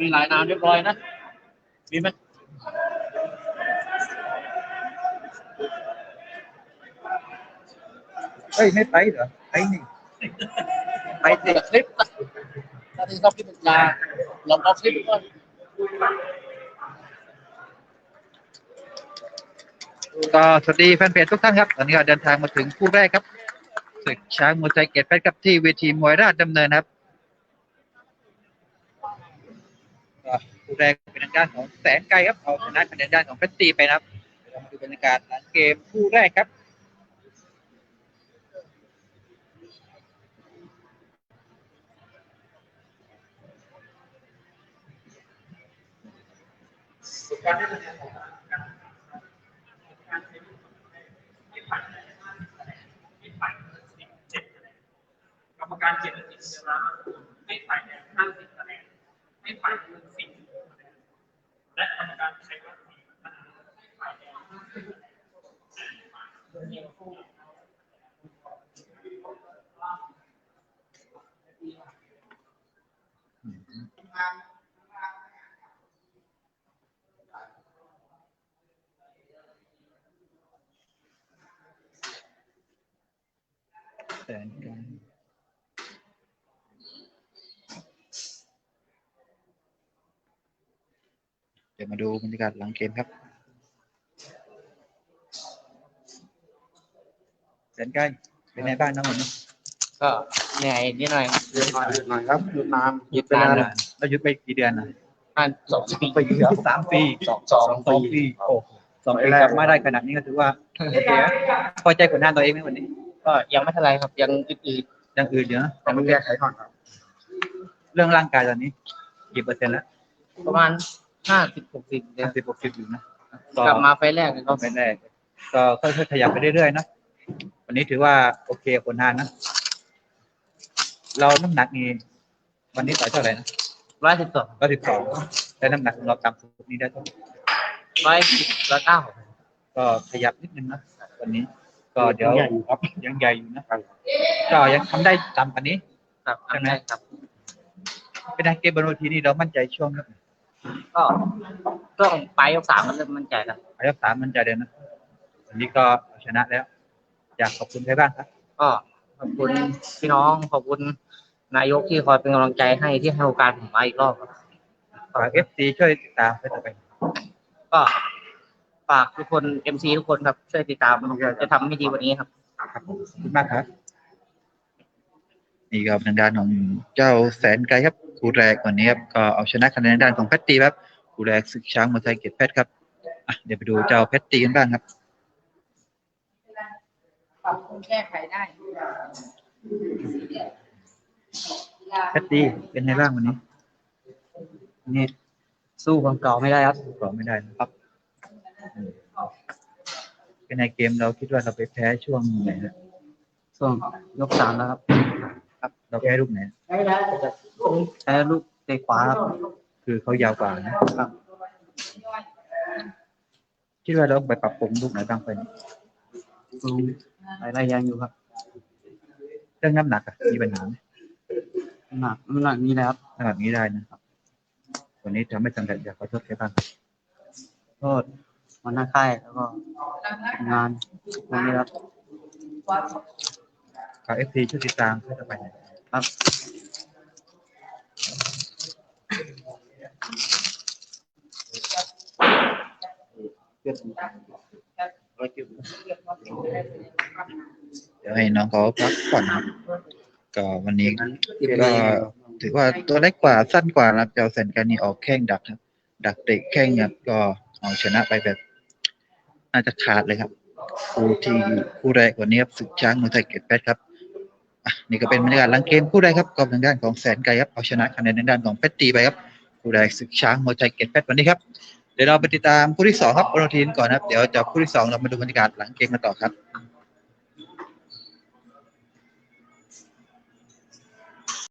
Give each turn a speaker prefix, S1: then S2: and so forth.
S1: มีหลายนามเรียบร้อยนะมีไหม
S2: เฮ้ยไม่ไปเหรอไปนี่ไปเด็ก
S1: คลิปถ้าที่ชอบคลิปเป็นยาลองเอาคลิปก่อน
S2: ก็สวัสดีแฟนเพจทุกท่านครับตอนนี้ก็เดินทางมาถึงคู่แรกครับศึกช้างมวยไทยเกียรติเพชรครับที่เวทีมวยราชดำเนินครับคู่แรกเป็นทางด้านของแสนไกลครับเอาชนะคะแนนด้านของเพชรตีไปนะครับเรามาดูบรรยากาศหลังเกมคู่แรกครับ
S3: กรรมการ7 คะแนนให้ฝ่ายแดง50 คะแนนให้ฝ่ายน้ำเงิน40 คะแนนและกรรมการใช้วัด4 คะแนนให้ฝ่ายแดง50 คะแนน
S2: แสนไกลเดี๋ยวมาดูบรรยากาศหลังเกมครับแสนไกลเป็นไงบ้างน้องวันนี้
S1: ก็เหนื่อยนิดหน่อย
S4: หยุดหน่อยครับหยุดนาน
S1: หยุดนานเลย
S2: เราหยุดไปกี่เดือนนะ
S1: ประมาณ2 ปี
S2: ปีครับ3 ปี2 ปีโอ้2 ปีกลับมาได้ขนาดนี้ก็ถือว่าโอเคนะพอใจผลงานตัวเองไหมวันนี้
S1: ก็ยังไม่เท่าไรครับยังอืด
S2: ยังอื่นอยู่นะ
S4: แต่มันแก้ไขก่อนครับ
S2: เรื่องร่างกายตอนนี้กี่เปอร์เซ็นต์แล้ว
S1: ๆประมาณ50-60เดือน
S2: 50-60อยู่นะ
S1: กลับมาไฟล์แรกก็
S2: ไม่แรกก็ค่อยๆขยับไปเรื่อยๆนะวันนี้ถือว่าโอเคผลงานนะเราน้ำหนักนี่วันนี้ต่อยเท่าไหร่นะ
S1: 112
S2: 112แต่น้ำหนักของเราต่ำสุดนี้ได้เท่าไหร่
S1: 110 109
S2: ก็ขยับนิดนึงนะวันนี้ ก็เดี๋ยวยังใหญ่อยู่นะก็ยังทำได้ต่ำกว่านี้
S1: ครับ
S2: ใช่ไหม
S1: ครับ
S2: เป็นไงเกมบนเวทีนี่เรามั่นใจช่วงนั้น
S1: ก็ต้องไปยก 3มันเริ่มมั่นใจแล้ว
S2: ยก 3มั่นใจเลยนะวันนี้ก็ชนะแล้วอยากขอบคุณใครบ้างครับ
S1: ก็ขอบคุณพี่น้องขอบคุณนายกที่คอยเป็นกำลังใจให้ที่ให้โอกาสผมมาอีกรอบครับ
S2: ฝาก FC ช่วยติดตามไปต่อไป
S1: ก็ฝากทุกคน MC ทุกคนครับช่วยติดตามจะทำให้ดีกว่านี้ครับ
S2: ครับผมขอบคุณมากครับนี่ก็เป็นด้านของเจ้าแสนไกลครับคู่แรกวันนี้ครับก็เอาชนะคะแนนด้านของเพชรตีครับคู่แรกศึกช้างมวยไทยเกียรติเพชรครับเดี๋ยวไปดูเจ้าเพชรตีกันบ้างครับ
S5: ปรับปรุงแก้ไขได้
S2: เพชรตีเป็นไงบ้างวันนี้
S1: นี่สู้ความเก่าไม่ได้ครับ
S2: ก็ไม่ได้นะครับเป็นในเกมเราคิดว่าเราไปแพ้ช่วงไหนนะ
S1: ช่วงยก 3แล้วครับ
S2: ครับเราแพ้ลูกไหน
S1: ใช้ลูกเตะขวาครับ
S2: คือเขายาวกว่านะครับคิดว่าเราไปปรับปรุงลูกไหนบ้างไปนี้
S1: หลายอย่างอยู่ครับ
S2: เรื่องน้ำหนักมีปัญหาไหม
S1: น้ำหนักนี้นะครับ
S2: น้ำหนักนี้ได้นะครับวันนี้ทำไม่สำเร็จอยากขอโทษใครบ้าง
S1: โทษวันหน้าค่ายแล้วก็งานวันนี้ครับ
S2: ขอ FC ช่วยติดตามเพื่อจะไปไหน
S1: ครับ
S2: เดี๋ยวให้น้องเขาพักผ่อนครับก็วันนี้ก็ถือว่าตัวเล็กกว่าสั้นกว่านะครับเจ้าแสนกันนี่ออกแข้งดักครับดักเตะแข้งครับก็เอาชนะไปแบบน่าจะขาดเลยครับคู่แรกวันนี้ครับศึกช้างมวยไทยเกียรติเพชรครับนี่ก็เป็นบรรยากาศหลังเกมคู่แรกครับก็ทางด้านของแสนไกลครับเอาชนะคะแนนในด้านของเพชรตีไปครับคู่แรกศึกช้างมวยไทยเกียรติเพชรวันนี้ครับเดี๋ยวเราไปติดตามคู่ที่2ครับโอโนทีนก่อนครับเดี๋ยวจากคู่ที่2เรามาดูบรรยากาศหลังเกมกันต่อครับ